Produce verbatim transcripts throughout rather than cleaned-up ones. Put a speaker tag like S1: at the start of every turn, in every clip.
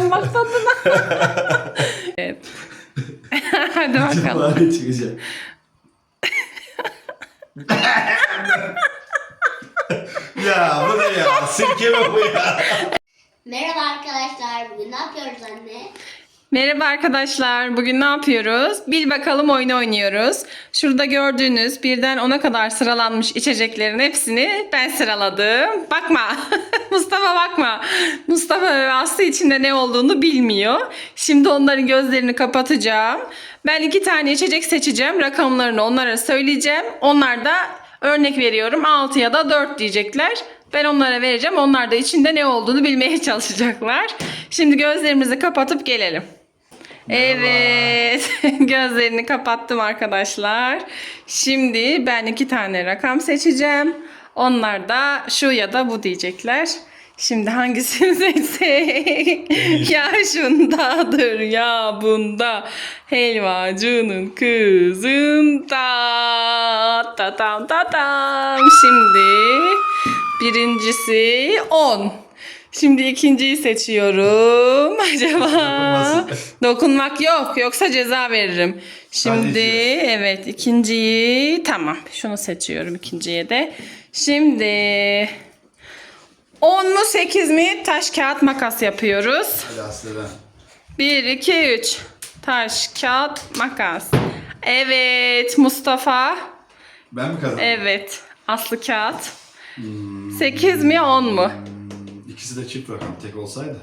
S1: içeceğim bak tadına. Evet. Hadi bakalım.
S2: Cumali çıkacak. Ya bu ne ya? Sirke mi bu ya?
S3: Merhaba arkadaşlar. Bugün ne yapıyoruz anne?
S1: Merhaba arkadaşlar. Bugün ne yapıyoruz? Bil bakalım oyunu oynuyoruz. Şurada gördüğünüz birden ona kadar sıralanmış içeceklerin hepsini ben sıraladım. Bakma. Mustafa bakma. Mustafa ve Aslı içinde ne olduğunu bilmiyor. Şimdi onların gözlerini kapatacağım. Ben iki tane içecek seçeceğim. Rakamlarını onlara söyleyeceğim. Onlar da örnek veriyorum altı ya da dört diyecekler. Ben onlara vereceğim. Onlar da içinde ne olduğunu bilmeye çalışacaklar. Şimdi gözlerimizi kapatıp gelelim. Evet. Gözlerini kapattım arkadaşlar. Şimdi ben iki tane rakam seçeceğim. Onlar da şu ya da bu diyecekler. Şimdi hangisini seçsek? Ya şundadır ya bunda. Helvacının kızında. Tatam tatam. Şimdi birincisi on. Şimdi ikinciyi seçiyorum. Acaba dokunmak yok. Yoksa ceza veririm. Şimdi evet ikinciyi tamam. Şunu seçiyorum ikinciye de. Şimdi on mu sekiz mi taş kağıt makas yapıyoruz.
S2: Hadi Aslı ben.
S1: bir iki üç taş kağıt makas. Evet Mustafa.
S2: Ben mi kazandım?
S1: Evet Aslı kağıt. sekiz mi on mu?
S2: İkisi de çift rakam tek olsaydı.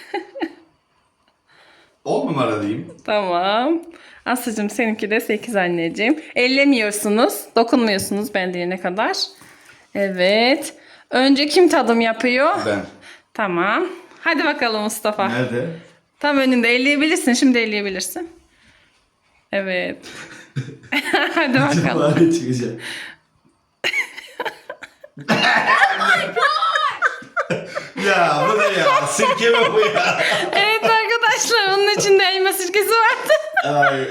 S2: on numara diyeyim.
S1: Tamam. Aslıcığım seninki de sekiz anneciğim. Ellemiyorsunuz. Dokunmuyorsunuz ben diyene kadar. Evet. Önce kim tadım yapıyor?
S2: Ben.
S1: Tamam. Hadi bakalım Mustafa.
S2: Nerede?
S1: Tam önünde elleyebilirsin. Şimdi elleyebilirsin. Evet. Hadi bakalım.
S2: Cumali çıkacak. Ya bu ne ya? Sirke mi bu ya?
S1: Evet arkadaşlar onun içinde elma sirkesi vardı.
S2: Ay,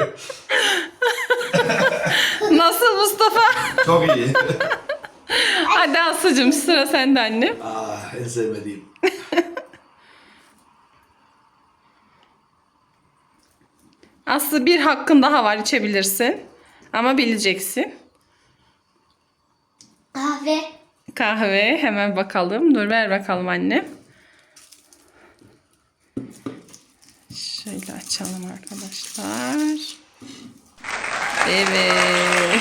S1: Nasıl Mustafa?
S2: çok iyi.
S1: Hadi Aslıcığım sıra sende annem.
S2: Ah, en sevmediğim.
S1: Aslı bir hakkın daha var içebilirsin. Ama bileceksin.
S3: Kahve.
S1: Kahve hemen bakalım. Dur ver bakalım anne. Şöyle açalım arkadaşlar. Evet.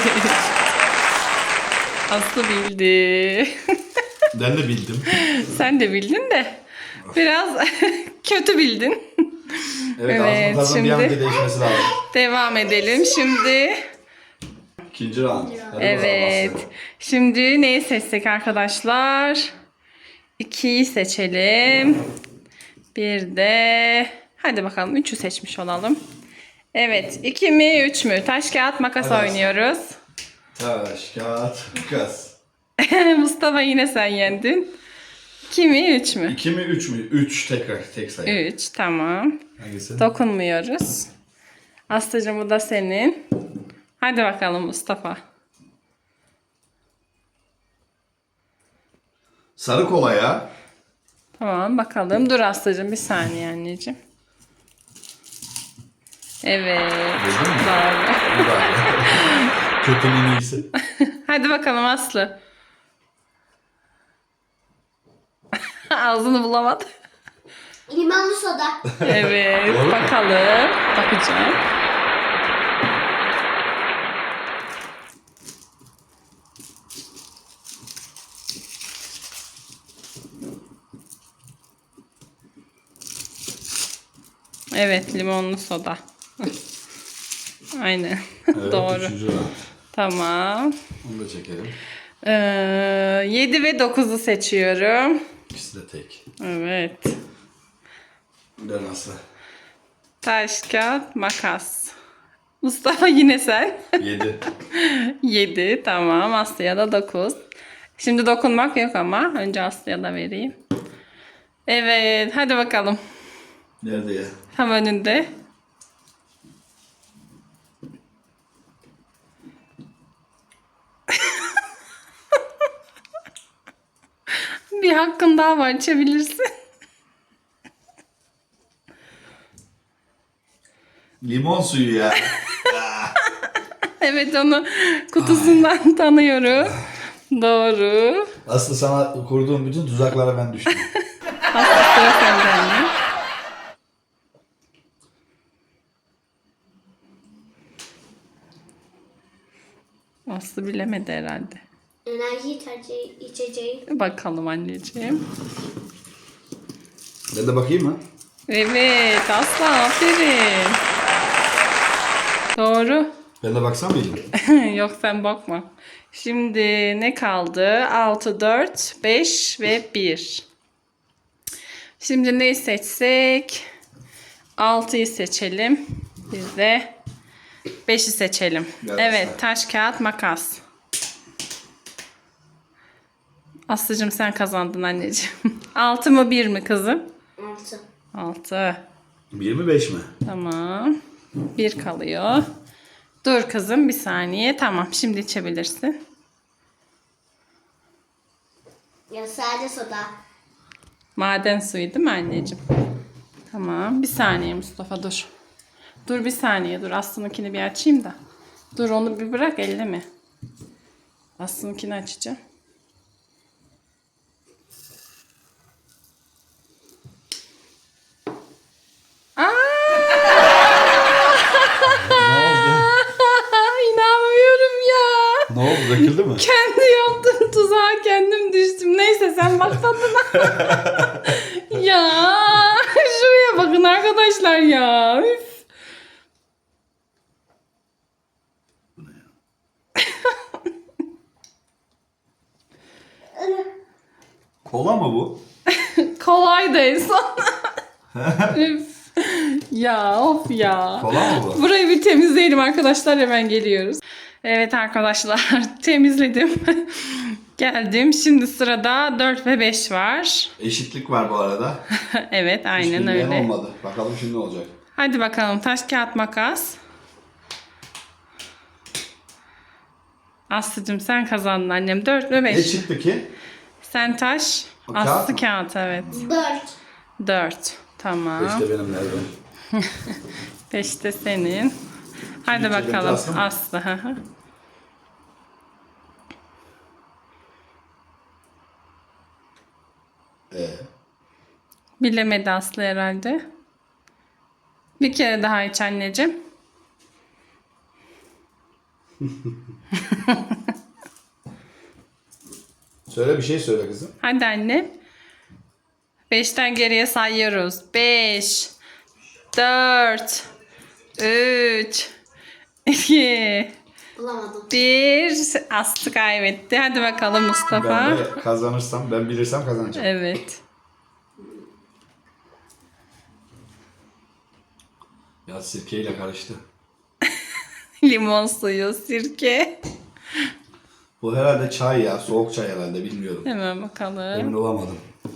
S1: Aslı bildi.
S2: Ben de bildim.
S1: Sen de bildin de biraz kötü bildin.
S2: Evet,
S1: Evet,
S2: ağzımın tadının bir an
S1: şimdi-
S2: önce değişmesi lazım.
S1: Devam edelim. Şimdi
S2: İkinci round. Hadi
S1: evet.
S2: bakalım Aslı.
S1: Şimdi neyi seçsek arkadaşlar? ikiyi seçelim. Bir de hadi bakalım üçü seçmiş olalım. Evet. iki mi üç mü? Taş kağıt makas
S2: Hadi.
S1: oynuyoruz.
S2: Taş, kağıt, makas.
S1: Mustafa yine sen yendin. iki mi üç mü?
S2: İki mi üç mü? Üç tekrar tek sayı.
S1: üç tamam.
S2: Hangisi?
S1: Dokunmuyoruz. Aslıcığım bu da senin. Hadi bakalım Mustafa.
S2: Sarı kola ya.
S1: Tamam bakalım. Dur Aslıcığım bir saniye anneciğim. Evet.
S2: Duydun mu?
S1: Doğru.
S2: Bu da. Kötünün iyisi.
S1: Hadi bakalım Aslı. Ağzını bulamadı.
S3: Limonlu soda.
S1: Evet
S2: Doğru mu?
S1: bakalım. Bakacağım. Evet limonlu soda. Aynen.
S2: Evet,
S1: Doğru.
S2: üçüncü round.
S1: Tamam.
S2: Onu da çekelim.
S1: Ee, yedi ve dokuzu seçiyorum.
S2: İkisi de tek.
S1: Evet.
S2: Ben Aslı.
S1: Taş, kağıt, makas. Mustafa yine sen.
S2: Yedi.
S1: yedi tamam. Aslı'ya da dokuz. Şimdi dokunmak yok ama. Önce Aslı'ya da vereyim. Evet. Hadi bakalım.
S2: Nerede ya?
S1: Tam önünde. Bir hakkın daha var. İçebilirsin.
S2: Limon suyu ya.
S1: Evet, onu kutusundan tanıyorum. Doğru.
S2: Aslı sana kurduğum bütün tuzaklara ben düştüm.
S1: Aslı, sıra sende anne. Aslı bilemedi herhalde.
S3: Enerji içeceği, içeceği.
S1: Bakalım anneciğim.
S2: Ben de bakayım mı?
S1: Evet Aslı, aferin. Doğru.
S2: Ben de baksam mıydım?
S1: Yok, sen bakma. Şimdi ne kaldı? altı, dört, beş ve bir. Şimdi neyi seçsek? altıyı seçelim. Biz de beşi seçelim.
S2: Gel
S1: Evet,
S2: Aslı.
S1: taş, kağıt, makas. Aslıcığım sen kazandın anneciğim. altı mı bir mi kızım?
S3: Altı.
S1: altı.
S2: Bir mi beş mi?
S1: Tamam. bir kalıyor. Dur kızım bir saniye. Tamam, şimdi içebilirsin.
S3: Ya sadece soda.
S1: Maden suyu değil mi anneciğim? Tamam. Bir saniye Mustafa, dur. Dur bir saniye dur. Aslı'nınkini bir açayım da. Dur onu bir bırak, elleme. Aslı'nınkini açacağım.
S2: Ne oldu?
S1: İnanmıyorum ya.
S2: Ne oldu? Döküldü mü?
S1: Kendi yaptığım tuzağa kendim düştüm. Neyse sen bak tadına. Ya şuraya bakın arkadaşlar ya. Üf.
S2: Kola mı bu?
S1: Kolay da en son. Üf. Ya of ya.
S2: Kola mı bu?
S1: Burayı bir temizleyelim arkadaşlar, hemen geliyoruz. Evet arkadaşlar, temizledim. Geldim. Şimdi sırada dört ve beş var.
S2: Eşitlik var bu arada.
S1: Evet, aynen
S2: Hiç bilmeyen
S1: öyle.
S2: olmadı. Bakalım şimdi ne olacak.
S1: Hadi bakalım, taş kağıt makas. Aslıcığım sen kazandın annem. dört ve
S2: Ne
S1: beş.
S2: çıktı ki?
S1: Sen taş,
S2: O kağıt
S1: Aslı
S2: mı?
S1: kağıt, evet.
S3: Dört.
S1: dört. Tamam.
S2: İşte benim nerede?
S1: beş de senin. Hadi
S2: Şimdi içelim,
S1: bakalım
S2: Aslı mı?
S1: Aslı. hı hı.
S2: Ee,
S1: Bilemedi Aslı herhalde. Bir kere daha iç anneciğim.
S2: söyle bir şey söyle kızım.
S1: Hadi anne. beşten geriye sayıyoruz. beş, dört, üç, iki,
S3: Bulamadım.
S1: bir. Aslı kaybetti. Hadi bakalım Mustafa.
S2: Ben de kazanırsam, ben bilirsem kazanacağım.
S1: Evet.
S2: Ya sirkeyle karıştı.
S1: Limon suyu, sirke.
S2: Bu herhalde çay ya. Soğuk çay herhalde. Bilmiyorum.
S1: Hemen
S2: Emin
S1: bakalım.
S2: olamadım.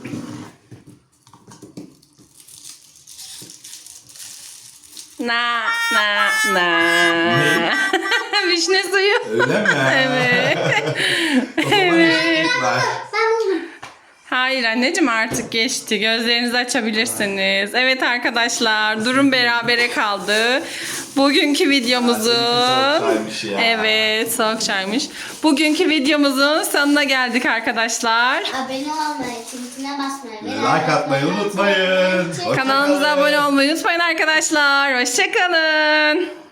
S1: Na na na. Vişne suyu.
S2: Öyle mi?
S1: Evet.
S2: O zaman eşitlik var.
S3: Sen buldun.
S1: Hayır anneciğim, artık geçti. Gözlerinizi açabilirsiniz. Evet arkadaşlar, durum berabere kaldı. Bugünkü videomuzu...
S2: Soğuk çaymış ya.
S1: Evet, soğuk çaymış. Bugünkü videomuzun sonuna geldik arkadaşlar.
S3: Abone olmayı, çintine basmayı ve
S2: Like atmayı unutmayın. Hoşça
S1: Kanalımıza
S2: kalın.
S1: abone olmayı unutmayın arkadaşlar. Hoşçakalın.